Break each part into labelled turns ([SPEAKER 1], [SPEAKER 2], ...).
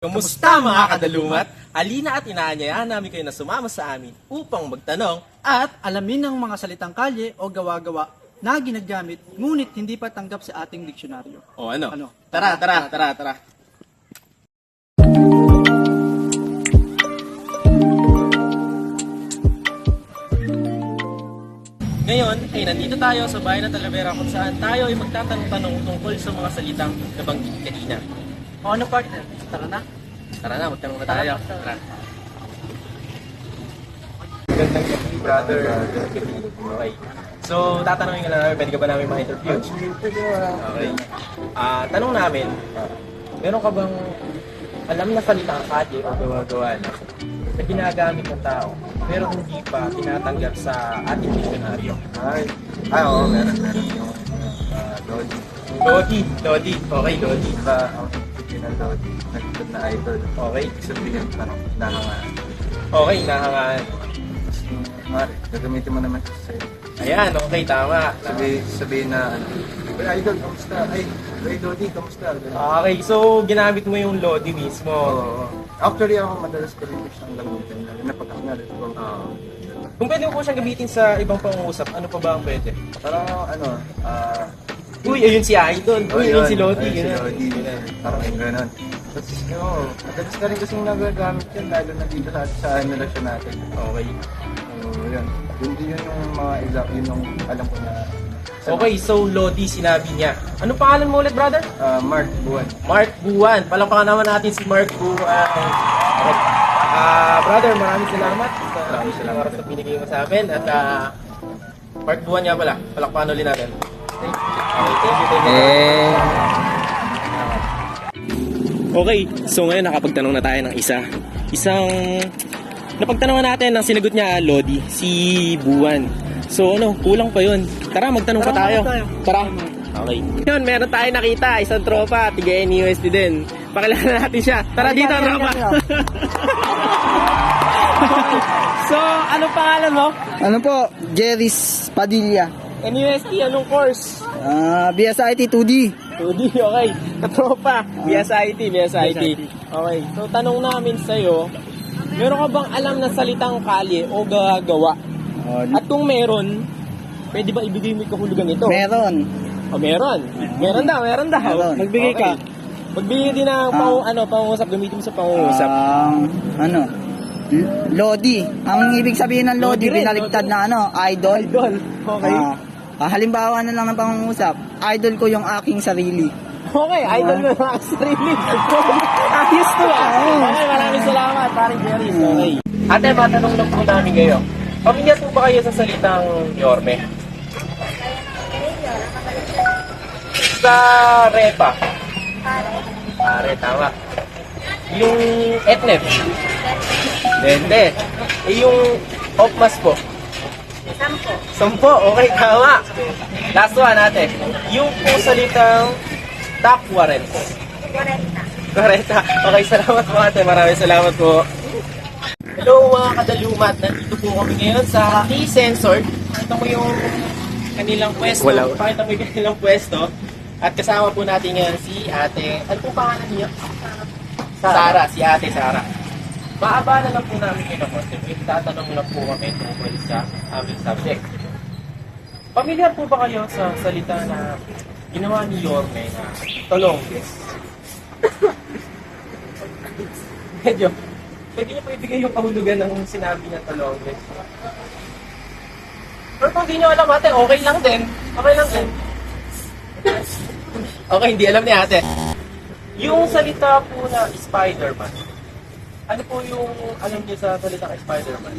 [SPEAKER 1] Kumusta mga kadalumat? Alina at inaanyayahan namin kayo na sumama sa amin upang magtanong
[SPEAKER 2] At alamin ng mga salitang kalye o gawa-gawa na ginagamit ngunit hindi pa tanggap sa ating diksyonaryo.
[SPEAKER 1] o ano?
[SPEAKER 2] Ano?
[SPEAKER 1] Tara. Ngayon ay nandito tayo sa bayan ng Talavera kung saan tayo ay magtatanong-tanong tungkol sa mga salitang nabanggit kanina.
[SPEAKER 2] O ano partner? Tara na.
[SPEAKER 1] Tara na, magtanong na tayo. Tara.
[SPEAKER 3] Gandang gabi, brother.
[SPEAKER 1] Okay. So, tatanungin ka na namin, pwede ka ba namin ma-interview? Okay. Tanong namin, meron ka bang alam na salitang kalye o gawa-gawa na ginagamit ng tao, pero hindi pa tinatanggap sa ating diksyonaryo?
[SPEAKER 3] Oo, meron yung Lodi.
[SPEAKER 1] Lodi. Okay, Lodi.
[SPEAKER 3] Diba, ang original Lodi, nagtutod na idol.
[SPEAKER 1] Okay.
[SPEAKER 3] Ibig sabihin, parang nahangaan.
[SPEAKER 1] Okay, nahangaan.
[SPEAKER 3] Mari, gagamitin mo naman siya sa'yo.
[SPEAKER 1] Ayan, okay, tama.
[SPEAKER 3] Sabihin na, ay, idol, kamusta? Ay, Lodi, kamusta?
[SPEAKER 1] Okay, so ginamit mo yung Lodi mismo.
[SPEAKER 3] Oo. Actually, ako madalas ko rin siyang gamitin. Lalo na pag ako na-respond.
[SPEAKER 1] Kung pwede mo po siyang gamitin sa ibang pangungusap, ano pa ba ang pwede?
[SPEAKER 3] Parang,
[SPEAKER 1] Uy, ayun si Idol. Uy, ayun si Lodi.
[SPEAKER 3] Si
[SPEAKER 1] Ganun.
[SPEAKER 3] Lodi. Parang yung gano'n. Tapos, madalas na rin kasing nagagamit yun, lalo na dito sa relasyon natin.
[SPEAKER 1] Okay.
[SPEAKER 3] Yun. Yun yung mga yun yung alam ko na.
[SPEAKER 1] Okay, so Lodi, sinabi niya. Ano pangalan mo ulit, brother?
[SPEAKER 3] Mark Buwan.
[SPEAKER 1] Mark Buwan. Palakpakan naman natin si Mark Buwan. Okay. Brother, maraming salamat sa oras na binigay mo sa amin. At Mark Buwan nga pala. Palakpakan ulit natin. Okay, thank you. Okay, so ngayon nakapagtanong na tayo ng isang napagtanongan natin ang sinagot niya Lodi, si Buwan. So kulang pa yun. Tara, magtanong pa tayo. Tara. Okay. Yun, meron tayo nakita, isang tropa, tiga NUSD din. Pakilala natin siya. Tara dito, tropa. So, anong pangalan mo?
[SPEAKER 4] Ano po? Jerry's Padilla.
[SPEAKER 1] NUSD, anong course?
[SPEAKER 4] BSIT 2D.
[SPEAKER 1] 2D, okay. Katropa, BSIT. Okay, so tanong namin sa'yo, meron ka bang alam na salitang kalye o gawa? At kung meron, pwede ba ibigay mo yung kahulugan nito?
[SPEAKER 4] Meron.
[SPEAKER 1] O meron. Meron daw.
[SPEAKER 4] Meron.
[SPEAKER 1] Magbigay ka. Magbigay din ng pangungusap, gamitin mo sa pangungusap.
[SPEAKER 4] Lodi. Ang ibig sabihin ng Lodi,
[SPEAKER 1] Lodi rin,
[SPEAKER 4] binaligtad
[SPEAKER 1] Lodi.
[SPEAKER 4] na idol.
[SPEAKER 1] Idol. Okay.
[SPEAKER 4] Halimbawa na lang ng pangungusap, idol ko yung aking sarili.
[SPEAKER 1] Okay, idol mo yung mga sarili. Ayos to Okay, maraming salamat, paring Jerry. Okay. Ate, matanong lang po namin kayo. Pamilyar po ba kayo sa salitang Yorme? Sa Repa? Pare, tama. Yung Etnef? Dende. Yung Opmas po? Sampo, okay, tama. Last one natin. Yung po salitang Takwarens. 40. Okay, salamat po ate. Maraming salamat po. Hello mga kadalumat. Nandito po kami ngayon sa K-Sensor. Pakita mo yung kanilang pwesto. Pakita mo yung kanilang pwesto. At kasama po natin ngayon si ate. Ano po pangalan niyo? Sara. Si ate Sara. Maaba na lang po namin kayo ng konti. Tatanong lang po kami tungkol sa aming subject. Pamilyar po ba kayo sa salita na ginawa ni Yorme na Tolongges? Medyo. Pwede niyo po ibigay yung kahulugan ng sinabi niya Tolongges. Pero kung di niyo alam ate, okay lang din. Okay, hindi alam ni ate. Yung salita po na Spider-Man, ano po yung alam niyo sa salita ng Spider-Man?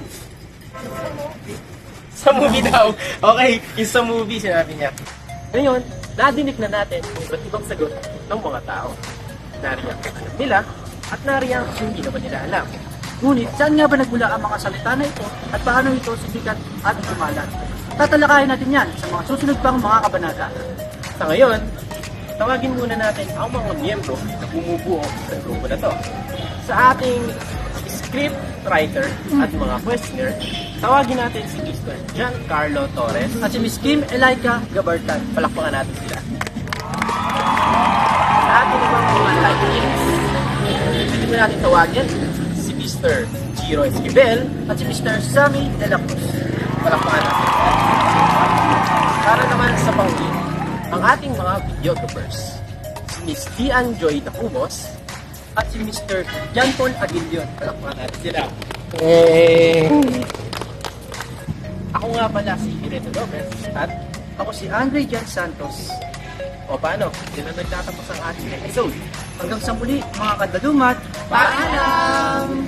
[SPEAKER 1] Sa movie daw. Okay, yung sa movie sinabi niya. Ngayon, nadinig na natin kung iba't ibang sagot ng mga tao. Nariyan ang alam nila at nariyan ang hindi naman nila alam.
[SPEAKER 2] Ngunit, saan nga ba nagmula ang mga salita na ito at paano ito sisikat at kumalat? Tatalakayin natin yan sa mga susunod pang mga kabanata.
[SPEAKER 1] Sa ngayon, tawagin muna natin ang mga miyembro na bumubuo sa grupo na to. Sa ating script writer at mga questioner, tawagin natin si Mr. Giancarlo Torres
[SPEAKER 2] At si Miss Kim Elaika Gabartan.
[SPEAKER 1] palakpakan natin sila. Sa ating mga lightnings,
[SPEAKER 2] po natin tawagin si Mr. Giro Esquivel at si Mr. Sammy De La Cruz. Palakpakan natin. Para naman sa panghuli, ang ating mga videographers, si Miss Dian Joy Dacumos at si Mr. Jan Paul Aguilion. Palakpakan natin sila. Ako nga pala si Irene Lopez at ako si Andre Jan Santos. O paano? Hindi na nagtatapos ang ating episode. Hanggang sa muli, mga kadalumat, paalam!